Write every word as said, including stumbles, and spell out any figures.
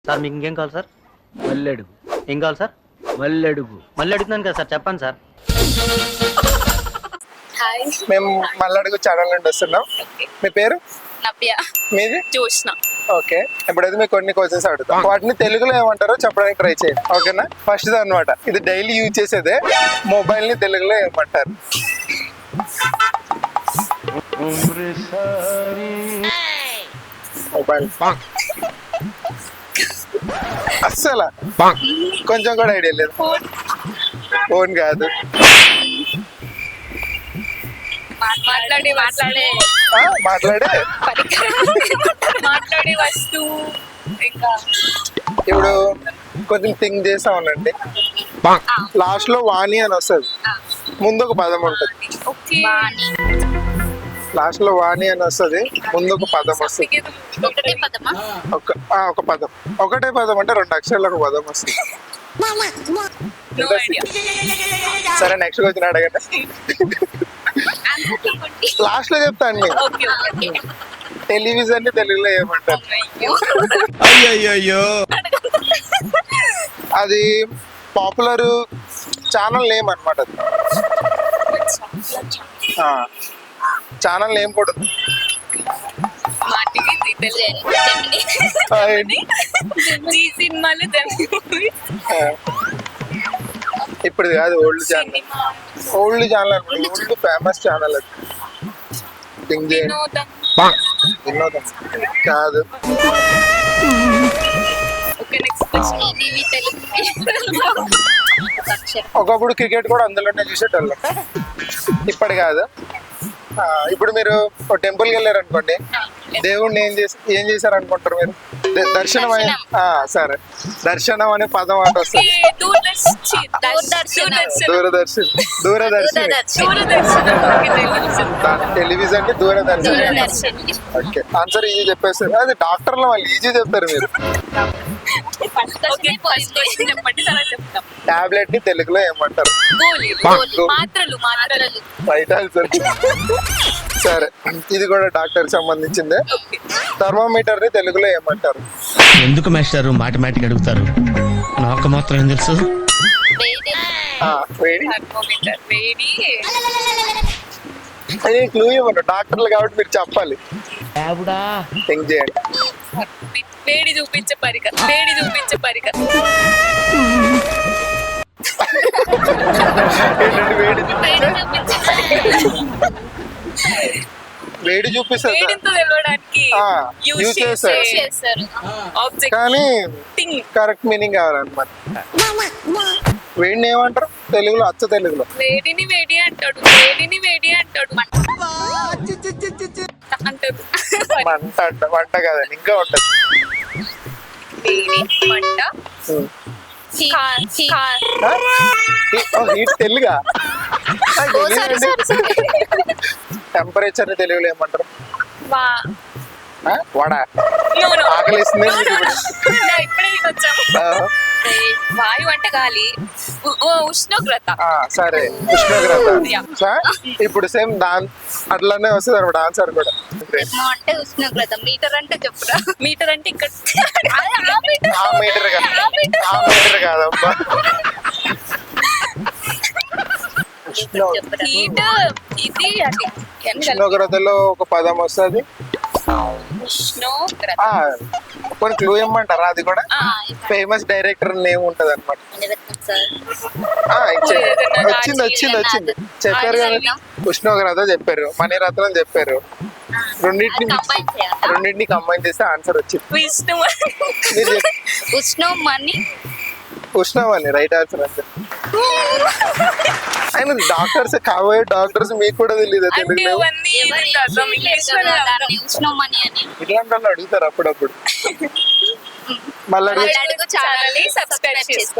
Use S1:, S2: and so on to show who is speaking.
S1: Sir మీకు ఇంకేం కావాలి సార్?
S2: మల్లెడుగు.
S1: ఏం కావాలి సార్?
S2: మల్లెడుగు.
S1: మళ్ళీ అడుగుతున్నాను కదా సార్, చెప్పండి సార్.
S3: హాయ్,
S4: మేము మల్లడుగు ఛానల్ నుండి వస్తున్నాం. మీ పేరు?
S3: నవ్య.
S4: మీది?
S3: జోష్న.
S4: ఓకే, ఇప్పుడైతే మీకు కొన్ని క్వశ్చన్స్ అడుగుతాం. వాటిని తెలుగులో ఏమంటారో చెప్పడానికి ట్రై చేయండి, ఓకేనా? ఫస్ట్ అన్నమాట, ఇది డైలీ యూజ్ చేసేదే. మొబైల్ ని తెలుగులో ఏమంటారు? మొబైల్. అస్సలు కొంచెం కూడా ఐడియా లేదు. ఫోన్ కాదు.
S3: మాట్లాడే మాట్లాడే
S4: ఆ, మాట్లాడే
S3: పరికరం, మాట్లాడే వస్తువు. ఇంకా
S4: ఇప్పుడు కొంచెం థింక్ చేసా ఉండండి. లాస్ట్ లో వాణి అని వస్తుంది, ముందు ఒక పదం ఉంటుంది.
S3: ఓకే,
S4: లాస్ట్ లో వాణి అని వస్తుంది, ముందు ఒక పదం వస్తుంది.
S3: ఒకటే పదమా?
S4: ఒక ఆ, ఒక పదం, ఒకటే పదం అంటే రెండు అక్షరాలు ఒక పదం వస్తుంది.
S3: No idea.
S4: సరే, నెక్స్ట్ క్వశ్చన్ అడగండి. లాస్ట్ లో చెప్తా అండి.
S3: Okay okay.
S4: టెలివిజన్ ని తెలుగులో ఏమంటారు?
S5: అయ్యో
S4: అది పాపులర్ ఛానల్ నేమ్ అనమాట. అది ఛానల్ నేమ్ కూడా ఉంది.
S3: మాటికి
S4: ఆ, ఏంటి?
S3: జీ సినిమాలు జెమిని
S4: ఆ, ఇప్పుడు కాదు, ఓల్డ్ ఛానల్. ఓల్డ్ ఛానల్ అనమాట, ఓల్డ్ ఫేమస్ ఛానల్. అది థింక్ చేయండి.
S3: వినోదం.
S4: వినోదం కాదు.
S3: Okay, next question. TV Telugu.
S4: ఒకప్పుడు క్రికెట్ కూడా అందులోనే చూసేటోళ్ళం, ఇప్పుడు కాదు. ఆ, ఇప్పుడు మీరు ఒక టెంపుల్కి వెళ్ళారు అనుకోండి, దేవుణ్ణి ఏం చేసి ఏం చేశారు అనుకుంటారు మీరు? ద- దర్శనం అనే ఆ, సరే, దర్శనం అనే పదం అటు వస్తుంది.
S3: దూరదర్శన్.
S4: దూరదర్శన్. దూరదర్శన్. దాని టెలివిజన్ ని Doordarshan.
S3: Doordarshan.
S4: Okay, answer easy చెప్పేస్తారు. అది డాక్టర్లు వాళ్ళు ఈజీ చెప్తారు, మీరు
S3: చెప్పండి, తర్వాత చెప్తాం.
S4: టాబ్లెట్ ని తెలుగులో ఏమంటారు?
S3: గోళీ.
S4: గోళీ.
S3: మాత్రలు మాత్రలు.
S4: Right answer. సరే, ఇది కూడా డాక్టర్ సంబంధించిందే. థర్మోమీటర్ ని తెలుగులో ఏమంటారు?
S5: ఎందుకు మాస్టారు మాటిమాటికి అడుగుతారు? నాకు మాత్రం ఏం తెలుసు.
S3: వేడి.
S4: ఆ, వేడి.
S3: థర్మోమీటర్. వేడి.
S4: అది క్లూ ఇవ్వను, డాక్టర్లు కాబట్టి మీరు చెప్పాలి. థింక్ చేయండి.
S3: వేడి చూపించే పరికరం. వేడి చూపించే పరికరం.
S4: ఏంటంటే వేడి చూ-
S3: వేడి చూపించే పరికరం.
S4: వేడి చూపిస్తుంది
S3: వేడితో తెలవడానికి
S4: ఆ,
S3: యూజ్
S4: use చేస్తారు.
S3: చేస్తారు. ఆబ్జెక్ట్.
S4: కానీ
S3: థింగ్.
S4: కరెక్ట్ మీనింగ్ కావాలన్నమాట. వేడిని ఏమంటారు తెలుగులో? అచ్చ తెలుగులో
S3: వేడిని వేడి అంటాడు. వేడిని వేడి అంటాడు. అంటాడు.
S4: మంట అంట. వంట కాదండి, ఇంకా ఉంటది.
S3: వేడి మంట.
S4: ఉం.
S3: కా- కా-
S4: ఆ? ఈ- ఓ, హీట్ తెలుగా? టెంపరేచర్ ని తెలుగులో ఏమంటారు?
S3: వా-
S4: ఆ? వడ.
S3: No, no.
S4: ఆకలిస్తుంది
S3: No,
S4: మీకు
S3: no,
S4: ఇప్పుడు.
S3: no. నా ఇప్పుడే వచ్చాము.
S4: ఆ,
S3: వాయు అంటే గాలి. ఉ- ఓ, ఉష్ణోగ్రత.
S4: ఆ, సరే, ఉష్ణోగ్రత.
S3: Yeah.
S4: ఆ? ఇప్పుడు సేమ్ దాని అట్లానే వస్తుంది అనమాట ఆన్సర్ కూడా.
S3: అంటే ఉష్ణోగ్రత. మీటర్ అంటే చెప్పురా. మీటర్ అంటే ఇక్కడ. ఆ మీటర్.
S4: ఆ మీటర్ కాదు,
S3: ఆ మీటర్.
S4: ఆ మీటర్ కాదమ్మా. ఉష్ణో
S3: హీట్ ఇది అది.
S4: ఉష్ణోగ్రతలో ఒక పదం వస్తుంది.
S3: ఉష్ణోగ్రత.
S4: కొన్ని క్లూ ఇమ్మంటారా? అది కూడా
S3: ఆ,
S4: ఫేమస్ డైరెక్టర్ నేమ్ ఉంటది అనమాట.
S3: సార్.
S4: వచ్చింది వచ్చింది వచ్చింది చెప్పారు కదా, ఉష్ణోగ్రత చెప్పారు, మణిరత్నం చెప్పారు. రెండింటిని
S3: కంబైన్ చేయాలా?
S4: రెండింటిని కంబైన్ చేస్తే ఆన్సర్ వచ్చింది.
S3: విష్ణు.
S4: మీరు చెప్ప-
S3: ఉష్ణం మని.
S4: ఉష్ణం అని రైట్ ఆన్సర్ అంతే. ఆయన డాక్టర్స్, కాబోయే డాక్టర్స్ మీకు కూడా తెలియదు
S3: అంటే
S4: తెలుగులో.
S3: ఇవన్నీ అర్థం ఇంగ్లీష్ లో దాన్ని ఉష్ణం మని అని.
S4: ఇట్లాంటి వాళ్ళు అడుగుతారు అప్పుడప్పుడు. మళ్ళీ అడుగు
S3: ఛానల్ ని సబ్స్క్రైబ్ చేసుకోండి.